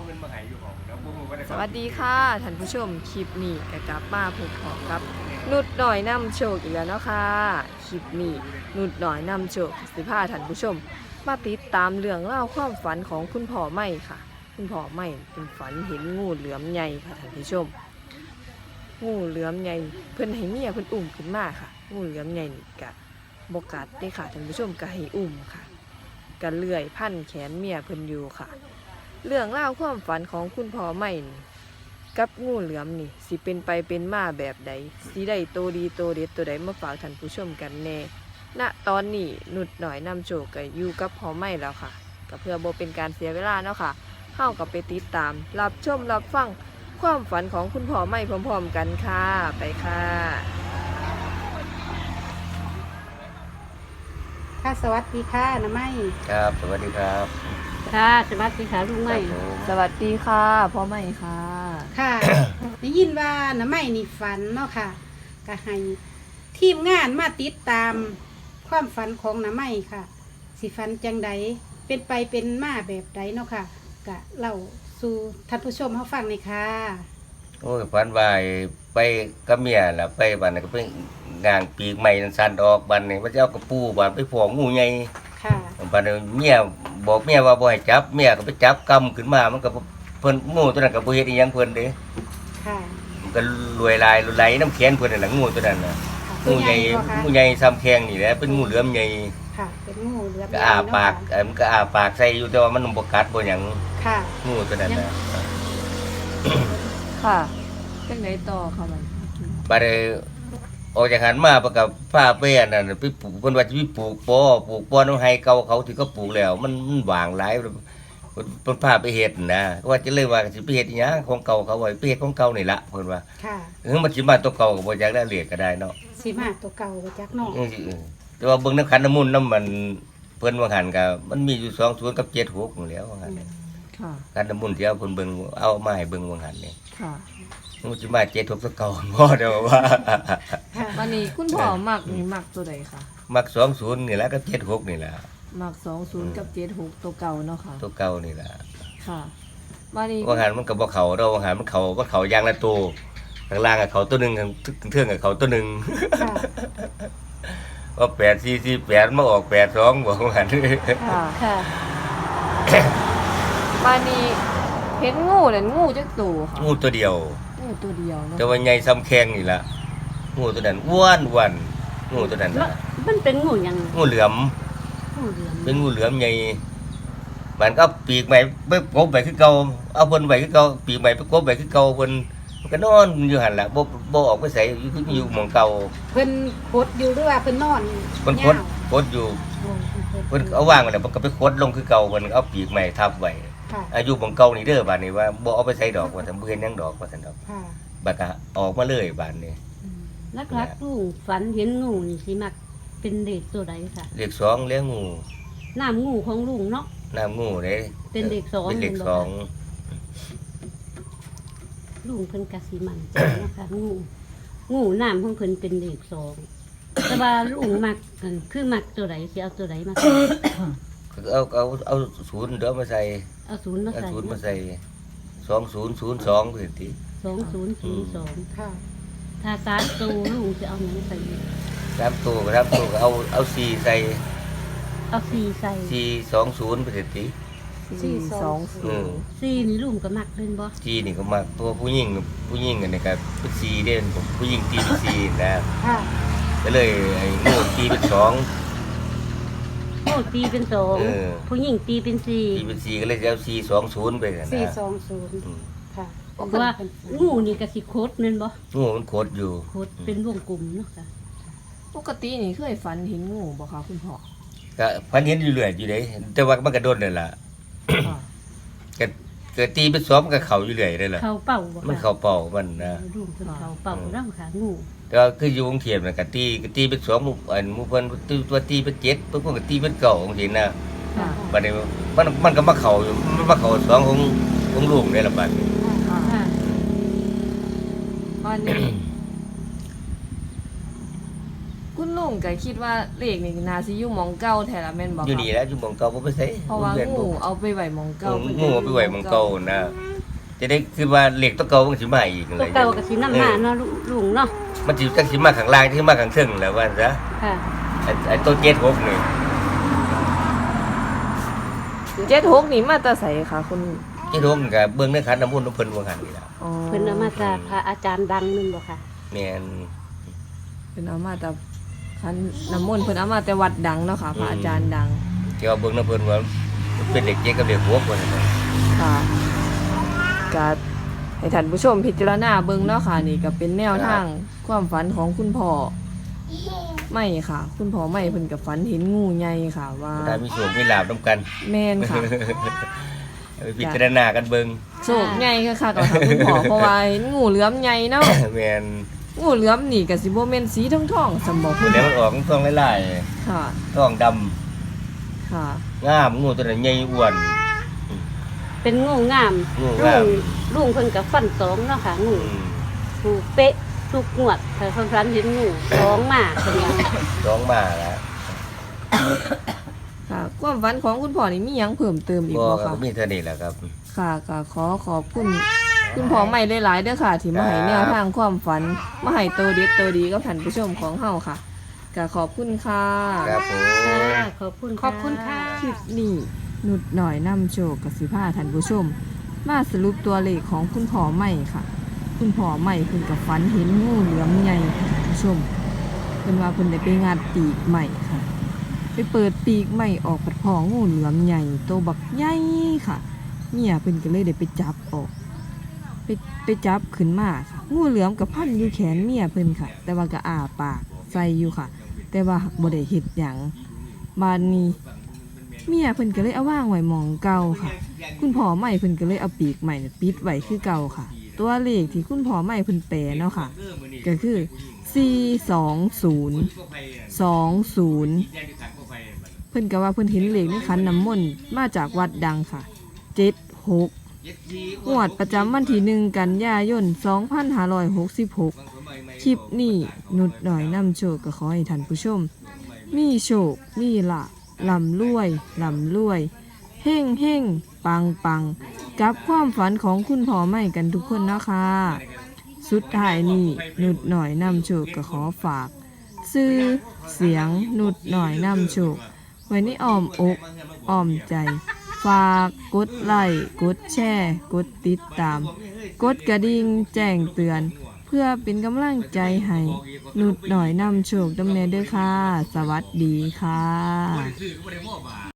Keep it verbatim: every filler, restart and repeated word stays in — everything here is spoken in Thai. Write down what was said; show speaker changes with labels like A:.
A: เงินมาให้อยู่ของแล้วพวกมึงก็ได้
B: สวัสดีค่ะท่านผู้ชมคลิปนี้กกลับมาพบพอกับนุดหน่อยนำโชคอีกแล้วเนาะค่ะคลิปนี้นุดหน่อยนำโชคสิพาท่านผู้ชม มาติดตามเรื่องเล่าวความฝันของคุณพ่อไม่ค่ะ คุณพ่อไม่เป็นฝันเห็นงูเหลือมใหญ่ค่ะท่านผู้ชม งูเหลือมใหญ่เพิ่นให้เมียเพิ่นอุ้มขึ้นมาค่ะ งูเหลือมใหญ่นี่กะบกัดได้ค่ะท่านผู้ชมก็ให้อุ้มค่ะก็เลื่อยพันแขนเมียเพิ่นอยู่ค่ะ เรื่องเล่าวความฝันของคุณพ่อไม่นี่กับงูเหลือมนี่สิเป็นไปเป็นมาแบบใดสิได้โตดีโตเด็ดตัวใดมาฝากท่านผู้ชมกันแน่ณตอนนี้นุดหน่อยนำโชคก็อยู่กับพ่อไม่แล้วค่ะก็เพื่อบ่เป็นการเสียเวลาเนาะค่ะเฮากับไปติดตาม รับชมรับฟังความฝันของคุณพ่อไม่พร้อมๆกันค่ะไปค่ะ
C: ค่ะสวัสดีค่ะน้าไม้
A: ครับสวัสดีครับ
C: ค่ะสวัสดีค่ะลุงไม้
B: สวัสดีค่ะพ่อไม่ค่ะ
C: ค่ะ ได้ยินว่าน้าไม้นี่ฝันเนาะค่ะก็ให้ทีมงานมาติดตามความฝันของน้าไม้ค่ะ สิฝันจังใดเป็นไปเป็นมาแบบใดเนาะค่ะก็เล่าสู่ท่านผู้ชมเขาฟังเลยค่ะ
D: โอ้ยฝันว่าไปกับเมียล่ะไปบ้านนนก็ไปงางปีกใหม่นั่นสั่นออกบ้านนี่ว่าจะเอากระปูบ้านไปพองูใหญ่
C: ค่ะ
D: บ้านนี้เมียบอกเมียว่าบ่ให้จับเมียก็ไปจับกำขึ้นมามันก็เพิ่นงูตัวนั้นก็บ่เฮ็ดอีหยังเพิ่นเด้
C: ค่ะ
D: มันก็รวยลายไหลน้ำแขนเพิ่นนั่นล่ะงูตัวนั้นน่ะ
C: ค่ะ
D: งูใหญ่
C: บ่คะ
D: งูใหญ่ซ้ำแข้งนี่แหละเป็นงูเหลือมใหญ่
C: ค่ะ เป็นงูเหลือม
D: ก็อ้า
C: ใหญ่เนะ
D: ปาก
C: ค่ะ
D: เอ้ยมันก็อ้าปากใส่อยู่แต่ว่ามันบ่กัดบ่หยัง
C: ค่ะ
D: งูตัวนั้นน่ะ
B: ค่ะเป็นไงต่อค่ะมัน
D: บัดนี้ออกจากหันมาประกับผ้าเป้นนั่นไปปลูกเพิ่นว่าสิไปปลูกปอปลูกปอน้ำไห้เก่าเขาที่เขาปลูกแล้ว มันมันว่างหลายเพิ่นพาไปเฮ็ดนะว่าจะเลยว่าสิไปเฮ็ดอีหยังของเก่าเขาไว้ไปเฮ็ดของเก่านี่ล่ะเพิ่นว่า
C: ค่ะ
D: เออมันสิมาตัวเก่าก็บ่อยากได้เรียกก็ได้เนาะ
C: สีมาตัวเก่าไปจักเนอก
D: เออสิเออแต่ว่าเบิ่งน้ำขันน้ำมูลน้ำมันเพิ่นว่าหันก็มันมีอยู่สองศูนย์กับเจ็ดหกนั่นแหล้วว่าหันเนี่ย
B: ค่ะ
D: ขันน้ำมูลที่เอาเพิ่นเบิ่งเอามาให้เบิ่งว่าหันนี่
B: ค่ะ
D: มันสิมาเจ็ดหกตัวเก่าบ่ได้ว่า
C: ค่ะ
B: วันนี้คุณพ่อมักนี่มักตัวใดค่ะ
D: มักสองศูนย์นี่แหละกับเจ็ดหกนี่แหละ
B: มักสองศูนย์กับเจ็ดหกตัวเก่าเนาะค่ะ
D: ตัวเก่านี่แหละ
B: ค่ะวันนี้
D: ว่าหันมันกับว่าเขาเราว่าหันมันเขาก็เขายางละตัวข้างล่างกับเขาตัวหนึ่งข้างเทื่องกับเขาตัวหนึ่ง
C: ค่ะ
D: ว่าแปดสี่สี่แปดมาออกแปดสองบอกว่าหัน
B: ค่ะ
C: ค่ะ
B: วันนี้เห็นงูนั่นงูจักตัวค่ะ
D: งูตัวเดียว
B: งูตัวเดียวเนาะ
D: แต่ว่าใหญ่ซ้ำแข้งนี่แหละงูตัวนั้นอ้วนอ้วนงูตัวนั้น
C: แล้ว
D: น่ะ
C: มันเป็นงูหยัง
D: งูเหลือม
C: งูเหลือม
D: เป็นงูเหลือมใหญ่มันก็เอาปีกใหม่ไปกบไปคือเก่าเอาเพิ่นไปคือเก่าปีกใหม่ไปกบไปคือเก่าเพิ่นมันก็นอนอยู่หันล่ะบ่บ่ออกไปใส่อยู่คืออยู่หม่องเก่า
C: เพิ่นโคดอยู่หรือว่าเพิ่นนอน
D: เพิ่นคดคดอยู่
C: โอ้
D: เพิ่นเอาวางไว้แล้วเพิ่นก็ไปคดลงคือเก่าเพิ่นเอาปีกใหม่ทับไว้
C: ค่ะ
D: อายุของเก่านี่เด้อบัดนี้ว่าบ่เอาไปใส่ดอกว่าซั่นบ่เห็นหยังดอกว่าซั่นดอก
C: ค่ะ
D: บัดก็ออกมาเลยบัดนี้
E: ลักลักๆลุงฝันเห็นงูนี่สิมักเป็นเด็กตัวใดค่ะ
D: เลขสองเลี้ยงงู
E: น้ำงูของลุงเนาะ
D: น้ำงูเด้
E: เป็นเลขสอง
D: เป็นเลข
E: เห็นบ่
D: สอง
E: ลุงเพิ่นกะสิมันใจเนาะค่ะงูงูน้ำของเพิ่นเป็นเด็กสองแต่ว่าลุงมักอันคือมักตัวใดสิเอาตัวใดมาใส่
D: เอาเอาเอาศูนย์เด้อมาใส่
E: เอาศูนย์มา
D: เอา
E: ใส่
D: ศูนย์มาใส่สองศูนย์ศูนย์สองเพิ่นติ
E: สองศูนย์ศูนย์สอง
C: ค่ะ
E: ถ้าสามตัวลุงจะเอาหยังใส่
D: สามตัวก็สามตัวก็เอาเอาสี่ใส่
E: เอาสี่ใส่
D: สี่สองศูนย์เพิ่นติ
B: สี่สองศู
D: อื
B: น
D: ม
B: ย์
E: สี่นี่ลุงก็มักเป็นบ่
D: จีนี่ก็มาตัวผู้หญิงผู้หญิงอันนี้ก็เป็นสี่เด้นผู้หญิงตีเป็นสี่นะ
C: ค่ะ
D: ก็เลยไอ้งูตีเป็นสอง
E: โอ้ตีเป็นสอง
D: เออ
E: ผู้หญิงตีเป็นสี่
D: ตีเป็นสี่ก็เลยจะเอาสี่สองศูนย์ไปกัน
C: สี่
D: นะ
C: สองศูนย์
D: อืม
C: ค่ะ
E: เพราะว่างูนี่ก็สิโคตรแม่นบ่
D: งูมันโคตรอยู่
E: โคตรเป็นวงกลมเนาะค่ะ
B: ปกตินี่เคยฝันเห็นงูบ่คะคุณพ่อ
D: ก็พันเห็นอยู่เรื่อยอยู่เด้แต่ว่ามันกระโดดเลยล่ะ
B: ค่ะ
D: ก็เกิดตีเป็นสองมันก็เข่าอยู่เรื่อยเลยล่ะ
E: เขาเป่าบ่ค่ะ
D: มันเข่าเป่ามันนะ
E: ลุงเพิ่นเขาเป่าร่ำขางู
D: แต่ว่าคืออยู่กรุงเทพน่ะก็ตีก็ตีเป็นสองหมู่อันหมู่เพิ่นตีตัวตีเป็นเจ็ดเพิ่นก็ตีเป็นเก้าจังซี่นะ
B: ค่ะ
D: บัดนี้มันมันก็มาเข่าอยู่มันมาเข่าสองของของลุงนี่ล่ะบัดนี้
B: ค่ะ
E: ค่ะ
B: วันนี้ คุณลุงมก็คิดว่าเลขนี่น่าสิอยู่หม่องเก่าแท้ละแม่นบ่
D: อยู่
B: ค
D: นี่
B: รับ
D: แล้วอยู่หม่องเก่าบ่ไปไส
B: เพราะว่า
D: เพื่อน
B: งู
D: บ่
B: เอาไปไว้หม่องเก่า
D: งูเอาไปไว้หม่องเก่านะจะได้คือว่าเลขตัวเก่ามันสิมาอีกนั่น
E: ตั
D: แห
E: ว
D: ละ
E: เก่าก็สินำมาเนาะลุงเนาะ
D: มันสิจังสิมาข้างล่างที่มาข้างเทิงแหล้วว่าซะ
E: ค่ะ
D: ไอ้ไอ้ตัวเจ็ดหกนี่
B: เจ็ดหกนี่มาแต่ไสคะคุณ
D: เจ็ดหกนี่ก็เบิ่งในขันน้ำมนต์ของเพิ่นว่าหั่นนี่ล่ะ
B: อ๋อ
E: เพิ่นเอามาจากพระอาจารย์ดังนึงบ่ค่ะ
D: แม่น
B: เพิ่นเอามาแต่คันน้ำมนต์เพิ่นเอามาแต่วัดดังเนาะค่ะพระอาจารย์ดัง
D: ที่ว่าเบิ่งนำเพิ่นว่ามันเป็นเลขเจ็ดกับเลขหกว่าซั่นน่ะ
B: ค่ะก็ให้ท่านผู้ชมพิจารณาเบิ่งเนาะค่ะนี่ก็เป็นแนวทางความฝันของคุณพ่อไม่ค่ะ คุณพ่อไม่เพิ่นก็ฝันเห็นงูใหญ่ค่ะว่า
D: ได้มีโชคมีลาภนํกัน
B: แม่นค่ะ
D: ไปพิจารณากันเบิ่ง
B: โชคใหญ่ค่ะค่ะกับทางคุณพ่อเพราะว่าเห็นงูเหลือมใหญ่เนาะ
D: แม่น
B: งูเหลือมนี่ก็สิบ่แม่นสีทองๆสำบ่คุณ
D: แล้วมันออกทองหลาย
B: ค่ะ
D: ๆทองดำ
B: ค่ะ
D: งามงูตัวนั้นใหญ่อ้วน
E: เป็นงูงาม
D: งู
E: ลุ
D: งาม
E: งลุงเพิ่นก็ฟันสองเนาะค่ะงู
D: อืม
E: งูเป๊ะทุกงวดถ้าเพิ่นฝันเห็นงูสองมาเพิ่นว่า
D: ร้องมาแล้ว
B: ค่ะความฝันของคุณพ่อนี่มีหยังเพิ่มเติมอีก
D: บ่
B: บ่
D: ครั
B: คะ
D: บมีเท่านี้แหละครับ
B: ค่ะก็ขอขอบคุณคุณพ่อใหม่หลายๆเด้อค่ะ ที่มาให้แนวทางความฝันมาให้ตัวเด็ดตัวดีกับท่านผู้ชมของเฮาค่ะก็ขอบคุณค่ะ
D: ครับผม
E: ค่ะขอบคุณ
C: ขอบคุณค่ะ
B: คลิปนี้นุดหน่อยนำโชคกับสิพาท่านผู้ชม มาสรุปตัวเลขของคุณพ่อใหม่ค่ะ คุณพ่อใหม่เพิ่นกับฝันเห็นงูเหลือมใหญ่ค่ะท่านผู้ชมเพิ่นว่าเพิ่นได้ไปงัดปีกใหม่ค่ะ ไปเปิดปีกใหม่ออกปัดพองูเหลือมใหญ่โตบักใหญ่ค่ะเมียเพิ่นก็เลยได้ไปจับออก ไปไปจับขึ้นมาค่ะ งูเหลือมกับพันอยู่แขนเมียเพิ่นค่ะ แต่ว่าก็อ้าปากใส่อยู่ค่ะ แต่ว่าบ่ได้เฮ็ดหยังบานนี้ เมียเพิ่นก็เลยเอาวางไว้หมองเก่าค่ะ คุณพ่อใหม่เพิ่นก็เลยเอาปีกใหม่เนี่ยปิดไว้คือเก่าค่ะ ตัวเลขที่คุณพ่อใหม่เพิ่นแปลเนาะค่ะ ก็คือ สี่ สอง ศูนย์ สอง ศูนย์ เพิ่นก็ว่าเพิ่นเห็นเลขในขันน้ำมนต์มาจากวัดดังค่ะ เจ็ด หก งวดประจำวันที่หนึ่งกันยายน สองพันห้าร้อยหกสิบหก คลิปนี้นุดหน่อยนำโชคก็ขอให้ท่านผู้ชม มีโชค มีลาภลำรวยลำรวย เฮ่งเฮ่งปังปังกับความฝันของคุณพ่อใหม่กันทุกคนนะคะ สุดท้ายนี้นุดหน่อยนำโชคก็ขอฝาก ซื้อเสียงนุดหน่อยนำโชค ไว้ในอ้อมอกอ้อมใจ ฝากกดไลค์กดแชร์กดติดตาม กดกระดิ่งแจ้งเตือน เพื่อเป็นกำลังใจให้นุดหน่อยนำโชคดำเนินด้วยค่ะ สวัสดีค่ะ